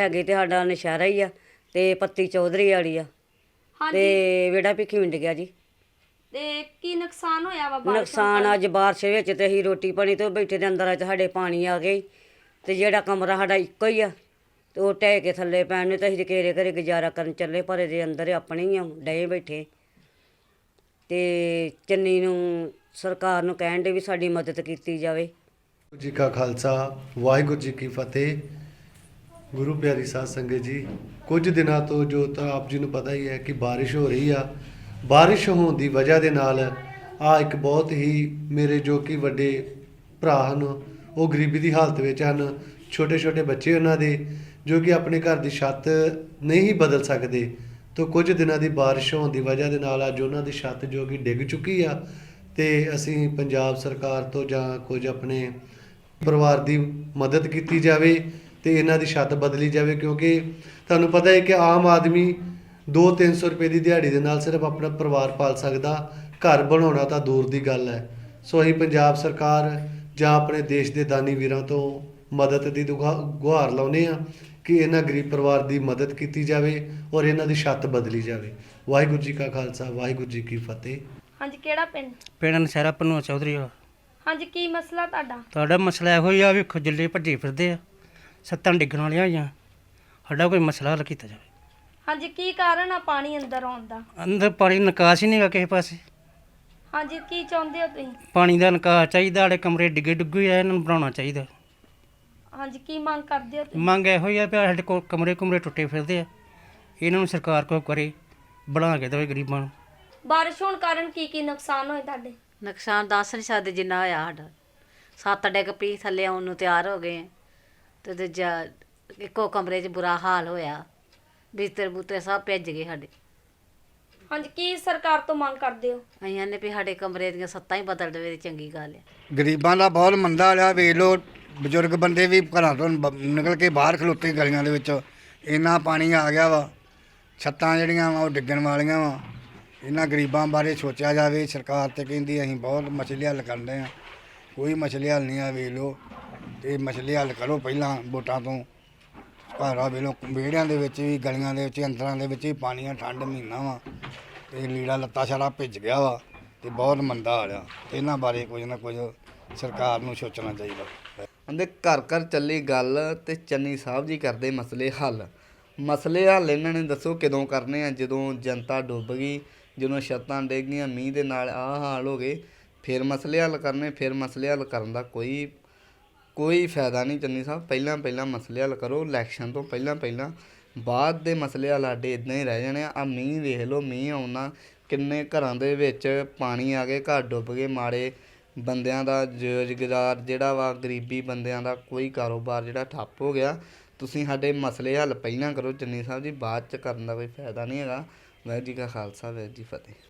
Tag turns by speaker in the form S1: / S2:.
S1: ਹੈਗੇ ਤੇ ਸਾਡਾ ਨਸ਼ਹਿਰਾ ਹੀ ਆ ਤੇ ਪੱਤੀ ਚੌਧਰੀ ਵਾਲੀ ਆ
S2: ਹਾਂਜੀ
S1: ਤੇ ਵਿਹੜਾ ਭਿੱਖੀ ਮਿੰਡ ਗਿਆ ਜੀ।
S2: ਤੇ ਕੀ ਨੁਕਸਾਨ ਹੋਇਆ ਵਾ ਬਾਰਿਸ਼
S1: ਨੁਕਸਾਨ ਅੱਜ ਬਾਰਿਸ਼ ਵਿੱਚ ਤੇ ਅਸੀਂ ਰੋਟੀ ਪਾਣੀ ਤੋਂ ਬੈਠੇ ਦੇ ਅੰਦਰ ਚ ਸਾਡੇ ਪਾਣੀ ਆ ਗਈ ਤੇ ਜਿਹੜਾ ਕਮਰਾ ਸਾਡਾ ਇੱਕੋ ਹੀ ਆ ਤੇ ਉਹ ਢਹਿ ਕੇ ਥੱਲੇ ਪੈਣ ਨੂੰ ਤੇ ਅਸੀਂ ਘੇਰੇ ਘਰੇ ਗੁਜ਼ਾਰਾ ਕਰਨ ਚੱਲੇ ਪਰ ਇਹਦੇ ਅੰਦਰ ਆਪਣੇ ਹੀ ਆ ਡਏ ਬੈਠੇ ਤੇ ਚੰਨੀ ਨੂੰ ਸਰਕਾਰ ਨੂੰ ਕਹਿਣ ਦੇ ਵੀ ਸਾਡੀ ਮਦਦ ਕੀਤੀ ਜਾਵੇ।
S3: ਜੀ ਕਾ ਖਾਲਸਾ ਵਾਹਿਗੁਰੂ ਜੀ ਕੀ ਫਤਿਹ। ਗੁਰੂ ਪਿਆਰੀ ਸਾਧ ਸੰਗਤ ਜੀ, ਕੁਝ ਦਿਨਾਂ ਤੋਂ ਜੋ ਤਾਂ ਆਪ ਜੀ ਨੂੰ ਪਤਾ ਹੀ ਹੈ ਕਿ ਬਾਰਿਸ਼ ਹੋ ਰਹੀ ਆ। ਬਾਰਿਸ਼ ਹੋਣ ਦੀ ਵਜ੍ਹਾ ਦੇ ਨਾਲ ਇੱਕ ਬਹੁਤ ਹੀ ਮੇਰੇ ਜੋ ਕਿ ਵੱਡੇ ਭਰਾ ਹਨ ਉਹ ਗਰੀਬੀ ਦੀ ਹਾਲਤ ਵਿੱਚ ਹਨ। ਛੋਟੇ ਛੋਟੇ ਬੱਚੇ ਉਹਨਾਂ ਦੇ ਜੋ ਕਿ ਆਪਣੇ ਘਰ ਦੀ ਛੱਤ ਨਹੀਂ ਬਦਲ ਸਕਦੇ। ਤੋਂ ਕੁਝ ਦਿਨਾਂ ਦੀ ਬਾਰਿਸ਼ ਹੋਣ ਦੀ ਵਜ੍ਹਾ ਦੇ ਨਾਲ ਅੱਜ ਉਹਨਾਂ ਦੀ ਛੱਤ ਜੋ ਕਿ ਡਿੱਗ ਚੁੱਕੀ ਆ ਤੇ ਅਸੀਂ ਪੰਜਾਬ ਸਰਕਾਰ ਤੋਂ ਜਾਂ ਕੁਝ ਆਪਣੇ ਪਰਿਵਾਰ ਦੀ ਮਦਦ ਕੀਤੀ ਜਾਵੇ ਤੇ ਇਹਨਾਂ ਦੀ ਛੱਤ ਬਦਲੀ ਜਾਵੇ, ਕਿਉਂਕਿ ਤੁਹਾਨੂੰ ਪਤਾ ਹੈ ਕਿ ਆਮ ਆਦਮੀ 200-300 ਰੁਪਏ ਦੀ ਦਿਹਾੜੀ ਦੇ ਨਾਲ ਸਿਰਫ ਆਪਣਾ ਪਰਿਵਾਰ ਪਾਲ ਸਕਦਾ, ਘਰ ਬਣਾਉਣਾ ਤਾਂ ਦੂਰ ਦੀ ਗੱਲ ਹੈ। ਸੋ ਅਸੀਂ ਪੰਜਾਬ ਸਰਕਾਰ ਜਾਂ ਆਪਣੇ ਦੇਸ਼ ਦੇ ਦਾਨੀ ਵੀਰਾਂ ਤੋਂ ਮਦਦ ਦੀ ਗੁਹਾਰ ਲਾਉਂਦੇ ਹਾਂ ਕਿ ਇਹਨਾਂ ਗਰੀਬ ਪਰਿਵਾਰ ਦੀ ਮਦਦ ਕੀਤੀ ਜਾਵੇ ਔਰ ਇਹਨਾਂ ਦੀ ਛੱਤ ਬਦਲੀ ਜਾਵੇ। ਵਾਹਿਗੁਰੂ ਜੀ ਕਾ ਖਾਲਸਾ ਵਾਹਿਗੁਰੂ ਜੀ ਕੀ ਫਤਿਹ।
S2: ਹਾਂਜੀ ਕਿਹੜਾ ਪਿੰਡ?
S4: ਪਿੰਡ ਨਸ਼ਹਿਰਾ ਭਨੋਆ ਚੌਧਰੀ ਆ।
S2: ਹਾਂਜੀ ਕੀ ਮਸਲਾ
S4: ਤੁਹਾਡਾ ਮਸਲਾ ਇਹੋ ਹੀ ਆ ਵੀ ਖੁਜਲੇ ਭੱਜੇ ਫਿਰਦੇ ਆ, ਛੱਤਾਂ ਡਿੱਗਣ ਵਾਲੀਆਂ ਹੋਈਆਂ, ਸਾਡਾ ਕੋਈ ਮਸਲਾ ਹੱਲ ਕੀਤਾ ਜਾਵੇ।
S2: ਹਾਂਜੀ ਕੀ ਕਾਰਨ ਆ ਪਾਣੀ ਅੰਦਰ ਆਉਣ ਦਾ?
S4: ਅੰਦਰ ਪਾਣੀ ਨਿਕਾਸ ਹੀ ਨਹੀਂਗਾ ਕਿਸੇ ਪਾਸੇ।
S2: ਹਾਂਜੀ ਕੀ ਚਾਹੁੰਦੇ ਹੋ ਤੁਸੀਂ?
S4: ਪਾਣੀ ਦਾ ਨਿਕਾਸ ਚਾਹੀਦਾ, ਸਾਡੇ ਕਮਰੇ ਡਿੱਗੇ ਡੁੱਗੇ ਆ, ਇਹਨਾਂ ਨੂੰ ਬਣਾਉਣਾ ਚਾਹੀਦਾ।
S2: ਹਾਂਜੀ ਕੀ ਮੰਗ ਕਰਦੇ ਹੋ ਤੁਸੀਂ?
S4: ਮੰਗ ਇਹੋ ਹੀ ਆ ਵੀ ਸਾਡੇ ਕੋਲ ਕਮਰੇ ਟੁੱਟੇ ਫਿਰਦੇ ਆ, ਇਹਨਾਂ ਨੂੰ ਸਰਕਾਰ ਕੋਈ ਕਰੇ, ਬਣਾ ਕੇ ਦੇਵੇ ਗਰੀਬਾਂ ਨੂੰ।
S2: ਬਾਰਿਸ਼ ਹੋਣ ਕਾਰਨ ਕੀ ਨੁਕਸਾਨ ਹੋਏ ਤੁਹਾਡੇ?
S1: ਨੁਕਸਾਨ ਦੱਸ ਨਹੀਂ ਸਕਦੇ ਜਿੰਨਾ ਹੋਇਆ ਸਾਡਾ। ਸੱਤ ਡਿੱਗ ਪਈ ਥੱਲੇ ਆਉਣ ਨੂੰ ਤਿਆਰ ਹੋ ਗਏ ਤੇ ਦੂਜਾ ਇੱਕੋ ਕਮਰੇ 'ਚ ਬੁਰਾ ਹਾਲ ਹੋਇਆ, ਬਿਸਤਰ ਬੂਤਰੇ ਸਭ ਭਿੱਜ ਗਏ ਸਾਡੇ।
S2: ਹਾਂਜੀ ਕੀ ਸਰਕਾਰ ਤੋਂ ਮੰਗ ਕਰਦੇ ਹੋ?
S1: ਅਸੀਂ ਨੇ ਵੀ ਸਾਡੇ ਕਮਰੇ ਦੀਆਂ ਸੱਤਾਂ ਹੀ ਬਦਲ ਦੇਵੇ ਤੇ ਚੰਗੀ ਗੱਲ ਆ।
S5: ਗਰੀਬਾਂ ਦਾ ਬਹੁਤ ਮੰਦਾ ਹਾਲ ਆ। ਵੇਖ ਲਓ ਬਜ਼ੁਰਗ ਬੰਦੇ ਵੀ ਘਰਾਂ ਤੋਂ ਨਿਕਲ ਕੇ ਬਾਹਰ ਖਲੋਤੇ ਗਲੀਆਂ ਦੇ ਵਿੱਚ, ਇੰਨਾ ਪਾਣੀ ਆ ਗਿਆ ਵਾ। ਛੱਤਾਂ ਜਿਹੜੀਆਂ ਵਾ ਉਹ ਡਿੱਗਣ ਵਾਲੀਆਂ ਵਾ। ਇਹਨਾਂ ਗਰੀਬਾਂ ਬਾਰੇ ਸੋਚਿਆ ਜਾਵੇ। ਸਰਕਾਰ ਤੇ ਕਹਿੰਦੀ ਅਸੀਂ ਬਹੁਤ ਮਸਲੇ ਹੱਲ ਕਰਦੇ ਹਾਂ, ਕੋਈ ਮਸਲੇ ਹੱਲ ਨਹੀਂ ਆ। ਵੇਖ ਲਓ ਤੇ ਮਸਲੇ ਹੱਲ ਕਰੋ ਪਹਿਲਾਂ ਵੋਟਾਂ ਤੋਂ। ਘਰ ਆ ਵੇਖ ਲਓ ਵਿਹੜਿਆਂ ਦੇ ਵਿੱਚ ਵੀ, ਗਲੀਆਂ ਦੇ ਵਿੱਚ, ਅੰਦਰਾਂ ਦੇ ਵਿੱਚ ਵੀ ਪਾਣੀ ਆ। ਠੰਡ ਮਹੀਨਾ ਵਾ ਤੇ ਲੀੜਾ ਲੱਤਾ ਸਾਰਾ ਭਿੱਜ ਗਿਆ ਵਾ ਤੇ ਬਹੁਤ ਮੰਦਾ ਹਾਲ ਆ। ਇਹਨਾਂ ਬਾਰੇ ਕੁਝ ਨਾ ਕੁਝ ਸਰਕਾਰ ਨੂੰ ਸੋਚਣਾ ਚਾਹੀਦਾ।
S6: ਕਹਿੰਦੇ ਘਰ ਘਰ ਚੱਲੀ ਗੱਲ ਤੇ ਚੰਨੀ ਸਾਹਿਬ ਜੀ ਕਰਦੇ ਮਸਲੇ ਹੱਲ। ਮਸਲੇ ਹੱਲ ਇਹਨਾਂ ਨੇ ਦੱਸੋ ਕਦੋਂ ਕਰਨੇ ਆ? ਜਦੋਂ ਜਨਤਾ ਡੁੱਬ ਗਈ, ਜਦੋਂ ਛੱਤਾਂ ਡਿੱਗ ਗਈਆਂ, ਮੀਂਹ ਦੇ ਨਾਲ ਆਹ ਹਾਲ ਹੋ ਗਏ, ਫਿਰ ਮਸਲੇ ਹੱਲ ਕਰਨੇ। ਫਿਰ ਮਸਲੇ ਹੱਲ ਕਰਨ ਦਾ ਕੋਈ ਫਾਇਦਾ ਨਹੀਂ। ਚੰਨੀ ਸਾਹਿਬ ਪਹਿਲਾਂ ਮਸਲੇ ਹੱਲ ਕਰੋ, ਇਲੈਕਸ਼ਨ ਤੋਂ ਪਹਿਲਾਂ। ਬਾਅਦ ਦੇ ਮਸਲੇ ਹੱਲ ਸਾਡੇ ਇੱਦਾਂ ਹੀ ਰਹਿ ਜਾਣੇ ਆ। ਮੀਂਹ ਵੇਖ ਲਓ, ਮੀਂਹ ਆਉਣਾ ਕਿੰਨੇ ਘਰਾਂ ਦੇ ਵਿੱਚ ਪਾਣੀ ਆ ਗਏ, ਘਰ ਡੁੱਬ ਗਏ। ਮਾੜੇ ਬੰਦਿਆਂ ਦਾ ਰੁਜ਼ਗਾਰ ਜਿਹੜਾ ਵਾ, ਗਰੀਬੀ ਬੰਦਿਆਂ ਦਾ ਕੋਈ ਕਾਰੋਬਾਰ ਜਿਹੜਾ ਠੱਪ ਹੋ ਗਿਆ। ਤੁਸੀਂ ਸਾਡੇ ਮਸਲੇ ਹੱਲ ਪਹਿਲਾਂ ਕਰੋ ਚੰਨੀ ਸਾਹਿਬ ਜੀ, ਬਾਅਦ 'ਚ ਕਰਨ ਦਾ ਕੋਈ ਫਾਇਦਾ ਨਹੀਂ ਹੈਗਾ। ਵਾਹਿਗੁਰੂ ਜੀ ਕਾ ਖਾਲਸਾ ਵਾਹਿਗੁਰੂ ਜੀ ਫਤਿਹ।